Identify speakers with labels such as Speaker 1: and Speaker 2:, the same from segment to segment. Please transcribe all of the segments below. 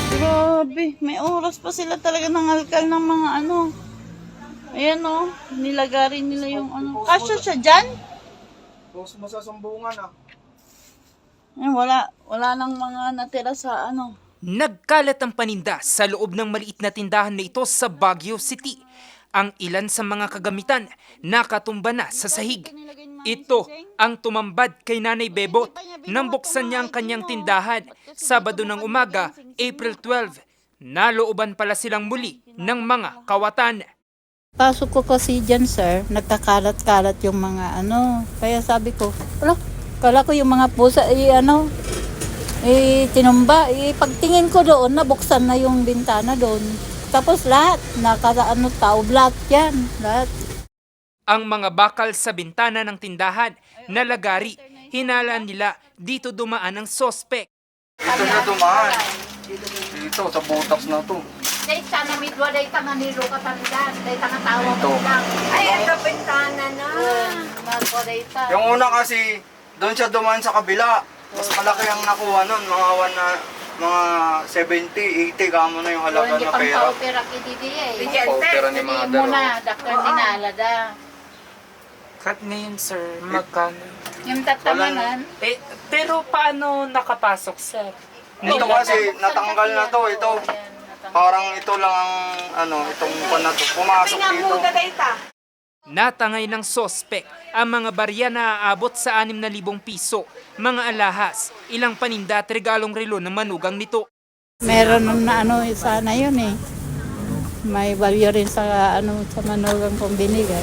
Speaker 1: Grabe, may oras pa sila talaga ng alkal ng mga ano. Ayan o, nilagarin nila yung ano. Kasya siya dyan?
Speaker 2: Post mo sa sumbungan ah.
Speaker 1: Ayan, wala nang mga natira sa ano.
Speaker 3: Nagkalat ang paninda sa loob ng maliit na tindahan na ito sa Baguio City. Ang ilan sa mga kagamitan nakatumba na sa sahig. Ito ang tumambad kay Nanay Bebot nang buksan niya ang kanyang tindahan Sabado ng umaga, April 12. Nalooban pala silang muli ng mga kawatan.
Speaker 4: Pasok ko kasi dyan, sir, nagkakalat-kalat yung mga ano. Kaya sabi ko, kala ko yung mga pusa, tinumba. Pagtingin ko doon, nabuksan na yung bintana doon. Tapos lahat, tao, black yan, lahat.
Speaker 3: Ang mga bakal sa bintana ng tindahan, nalagari, hinalaan nila dito dumaan ang sospek.
Speaker 2: Dito na dumaan. Dito, sa butas na to.
Speaker 4: Dahil sana midwa, dahil tanga nilo ka talidan, dahil tanga tawa
Speaker 2: Ito.
Speaker 4: mo lang. Ay, ang kapintana na. Magwa dahil ta.
Speaker 2: Yung una kasi, doon siya dumaan sa kabila. Mas malaki ang nakuha nun. Mga 70, 80 kamo na yung halaga
Speaker 4: Hindi
Speaker 2: na
Speaker 4: pang
Speaker 2: pera.
Speaker 4: paopera kiti eh.
Speaker 2: Paupera ni mga dalawa.
Speaker 4: Muna, dakar dinalada.
Speaker 5: Cut ngayon, sir. Magkano?
Speaker 4: Yung tatamanan,
Speaker 5: Pero paano nakapasok, sir?
Speaker 2: Ito kasi, natanggal na to. Ito, parang ito lang ang, itong pan na to. Pumasok dito.
Speaker 3: Natangay ng sospek ang mga barya na aabot sa 6,000 piso, mga alahas, ilang paninda at regalong relo ng manugang nito.
Speaker 4: meron na sana yun eh. May value rin sa sa manugang kong binigay.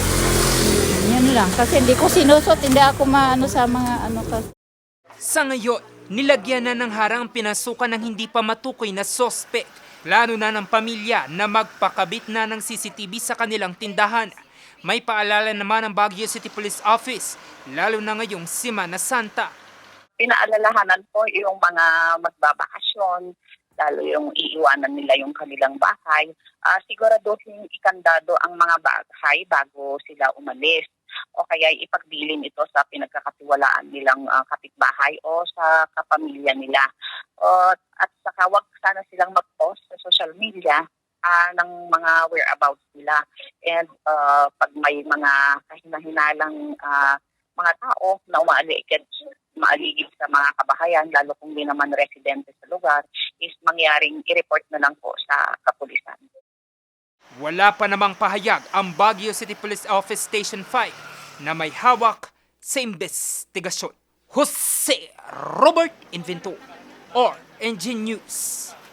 Speaker 4: Yun lang. Kasi hindi ko sinusot, hindi ako sa mga kasi.
Speaker 3: Sa ngayon, nilagyan na ng harang ang pinasukan ng hindi pa matukoy na sospek, lalo na ng pamilya na magpakabit na ng CCTV sa kanilang tindahan. May paalala naman ang Baguio City Police Office, lalo na ngayong Semana Santa.
Speaker 6: Pinaalalahanan po yung mga magbabakasyon, lalo yung iiwanan nila yung kanilang bahay. Siguraduhin ikandado ang mga bahay bago sila umalis. O kaya ipagbilin ito sa pinagkakatiwalaan nilang kapitbahay o sa kapamilya nila. At saka wag sana silang mag-post sa social media ng mga whereabouts nila. And pag may mga kahina-hinalang mga tao na maaligid sa mga kabahayan, lalo kung di naman residente sa lugar, is mangyaring i-report na lang po sa kapulisan.
Speaker 3: Wala pa namang pahayag ang Baguio City Police Office Station 5 na may hawak sa investigasyon. Jose Robert Invento, RNG News.